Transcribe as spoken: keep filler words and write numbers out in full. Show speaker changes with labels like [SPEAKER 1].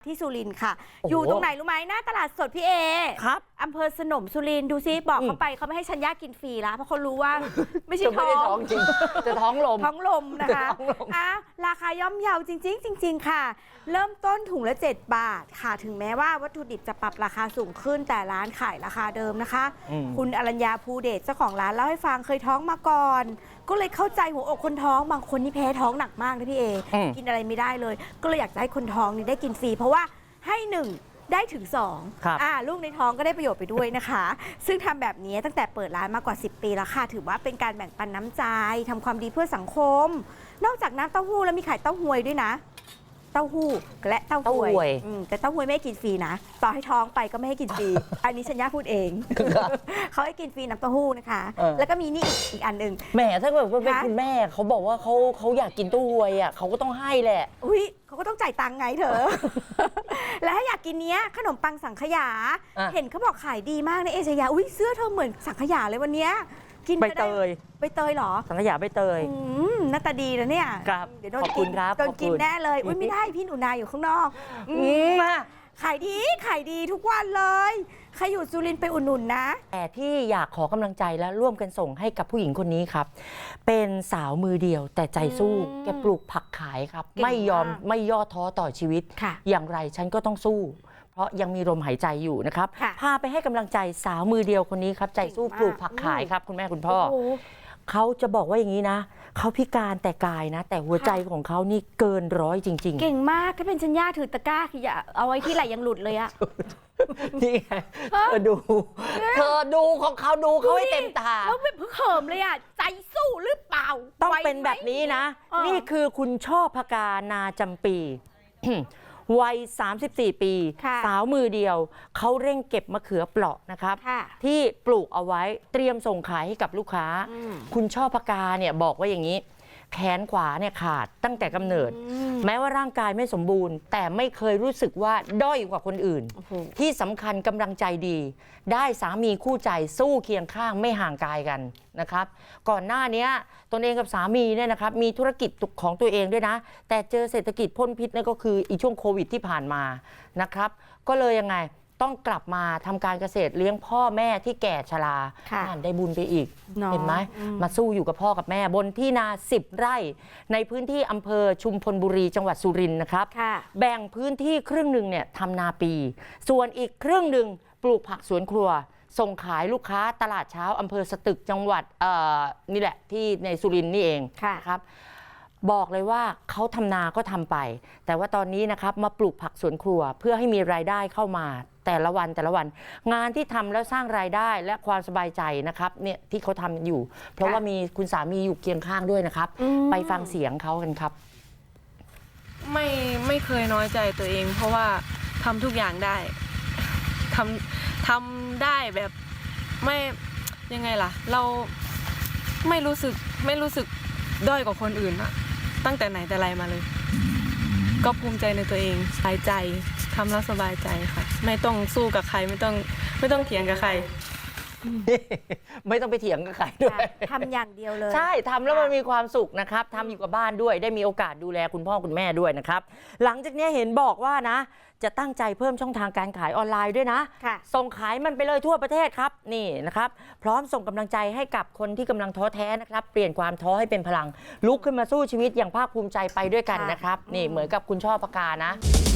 [SPEAKER 1] ที่สุรินทร์ค่ะอยู่ตรงไหนรู้ไหมหน้าตลาดสดพี่เอ
[SPEAKER 2] ครับ
[SPEAKER 1] อำเภอสนมสุรินทร์ดูซิบอกเขาไปเขาไม่ให้ชัญญากินฟรีแล้วเพราะเขารู้ว่าไม่ใช่ท้อง
[SPEAKER 2] จริงจะท้องลม
[SPEAKER 1] ท้องลมนะคะอ่ะราคาย่อมเยาจริงๆจริงๆค่ะเริ่มต้นถุงละเจ็ดบาทค่ะถึงแม้ว่าวัตถุดิบจะปรับราคาสูงขึ้นแต่ร้านขายราคาเดิมนะคะคุณอรัญญาภูเดชเจ้าของร้านเล่าให้ฟังเคยท้องมาก่อนก็เลยเข้าใจหัวอกคนท้องบางคนนี่แพ้ท้องหนักมากนะพี่เอกินอะไรไม่ได้เลยก็เลยอยากจะให้คนท้องนี่ได้กินฟรีเพราะว่าให้หนึ่งได้ถึงสองอ่าลูกในท้องก็ได้ประโยชน์ไปด้วยนะคะซึ่งทำแบบนี้ตั้งแต่เปิดร้านมากว่าสิบปีแล้วค่ะถือว่าเป็นการแบ่งปันน้ำใจทำความดีเพื่อสังคมนอกจากน้ำเต้าหู้แล้วมีขายเต้าหวยด้วยนะเต้าหู้และเต้าหวยแต่เต้าหวยไม่ให้กินฟรีนะต่อให้ท้องไปก็ไม่ให้กินฟรีอันนี้ชัญญาพูดเองเขาให้กินฟรีน้ำเต้าหู้นะคะแล้วก็มีนี่อีกอันหนึ่ง
[SPEAKER 2] แหมถ้าเกิดว่าเป็นคุณแม่เขาบอกว่าเขาเขาอยากกินเต้าหวยอ่ะเขาก็ต้องให้แหละ
[SPEAKER 1] อุ้ยเขาก็ต้องจ่ายตังค์ไงเถอะและถ้าอยากกินเนี้ยขนมปังสังขยาเห็นเขาบอกขายดีมากในเอชยาอุ้ยเสื้อเธอเหมือนสังขยาเลยวันเนี้ยกิน
[SPEAKER 2] ใบเตย
[SPEAKER 1] ใบเตยเหรอ
[SPEAKER 2] สังขยาใบเตย
[SPEAKER 1] หน้าตาดีนะเนี่ย
[SPEAKER 2] ครับ
[SPEAKER 1] เดี๋ยวโดนกินโดนกินแน่เลยอุ้ยไม่ได้พี่หนูนาอยู่ข้างนอกขายดีขายดีทุกวันเลยใครอยู่สุรินทร์ไปอุดหนุนนะ
[SPEAKER 2] แต่ที่อยากขอกำลังใจและร่วมกันส่งให้กับผู้หญิงคนนี้ครับเป็นสาวมือเดียวแต่ใจสู้แกปลูกผักขายครับไม่ยอมไม่ย่อท้อต่อชีวิตอย่างไรฉันก็ต้องสู้เพราะยังมีลมหายใจอยู่นะครับพาไปให้กำลังใจสาวมือเดียวคนนี้ครับใจสู้ปลูกผักขายครับคุณแม่คุณพ่อเขาจะบอกว่าอย่างนี้นะเขาพิการแต่กายนะแต่หัวใจของเขานี่เกินร้อยจริงๆ
[SPEAKER 1] เก่งมากถ้าเป็นชัญญาถือตะกร้าคืออย่าเอาไว้ที่ไหลยังหลุดเลยอะ
[SPEAKER 2] นี่ไงเธอดูเธอดูของเขาดูเขาให้เต็มตา
[SPEAKER 1] แล้วไม่เพิ่งเขิมเลยอะใจสู้หรือเปล่า
[SPEAKER 2] ต้องเป็นแบบนี้นะนี่คือคุณช่อพกานาจำปีวัยสามสิบสี่ปีสาวมือเดียวเขาเร่งเก็บมะเขือเปราะนะครับที่ปลูกเอาไว้เตรียมส่งขายให้กับลูกค้าคุณช่อพกาเนี่ยบอกว่าอย่างนี้แขนขวาเนี่ยขาดตั้งแต่กำเนิดแม้ว่าร่างกายไม่สมบูรณ์แต่ไม่เคยรู้สึกว่าด้อยกว่าคนอื่นที่สำคัญกำลังใจดีได้สามีคู่ใจสู้เคียงข้างไม่ห่างกายกันนะครับก่อนหน้านี้ตนเองกับสามีเนี่ยนะครับมีธุรกิจของตัวเองด้วยนะแต่เจอเศรษฐกิจพ่นพิษนั่นก็คืออีช่วงโควิดที่ผ่านมานะครับก็เลยยังไงต้องกลับมาทำการเกษตรเลี้ยงพ่อแม่ที่แก่ชราได้บุญไปอีกเห็นไหมมาสู้อยู่กับพ่อกับแม่บนที่นาสิบไร่ในพื้นที่อำเภอชุมพลบุรีจังหวัดสุรินทร์นะครับแบ่งพื้นที่ครึ่งหนึ่งเนี่ยทำนาปีส่วนอีกครึ่งหนึ่งปลูกผักสวนครัวส่งขายลูกค้าตลาดเช้าอำเภอสตึกจังหวัดนี่แหละที่ในสุรินทร์นี่เองครับบอกเลยว่าเขาทำนาก็ทำไปแต่ว่าตอนนี้นะครับมาปลูกผักสวนครัวเพื่อให้มีรายได้เข้ามาแต่ละวันแต่ละวันงานที่ทำแล้วสร้างรายได้และความสบายใจนะครับเนี่ยที่เขาทำอยู่เพราะว่ามีคุณสามีอยู่เคียงข้างด้วยนะครับไปฟังเสียงเขากันครับ
[SPEAKER 3] ไม่ไม่เคยน้อยใจตัวเองเพราะว่าทำทุกอย่างได้ทำทำได้แบบไม่ยังไงล่ะเราไม่รู้สึกไม่รู้สึกด้อยกว่าคนอื่นอะตั้งแต่ไหนแต่ไรมาเลยก็ภูมิใจในตัวเองสบายใจทำแล้วสบายใจค่ะไม่ต้องสู้กับใครไม่ต้องไม่ต้องเถียงกับใคร
[SPEAKER 2] ไม่ต้องไปเถียงกับใครด้วย
[SPEAKER 1] ทำอย่างเดียวเลย
[SPEAKER 2] ใช่ทำแล้วมันมีความสุขนะครับทำอยู่กับบ้านด้วยได้มีโอกาสดูแลคุณพ่อคุณแม่ด้วยนะครับหลังจากนี้เห็นบอกว่านะจะตั้งใจเพิ่มช่องทางการขายออนไลน์ด้วยนะส่งขายมันไปเลยทั่วประเทศครับนี่นะครับพร้อมส่งกำลังใจให้กับคนที่กำลังท้อแท้นะครับเปลี่ยนความท้อให้เป็นพลังลุกขึ้นมาสู้ชีวิตอย่างภาคภูมิใจไปด้วยกันนะครับนี่เหมือนกับคุณช่อพกานะ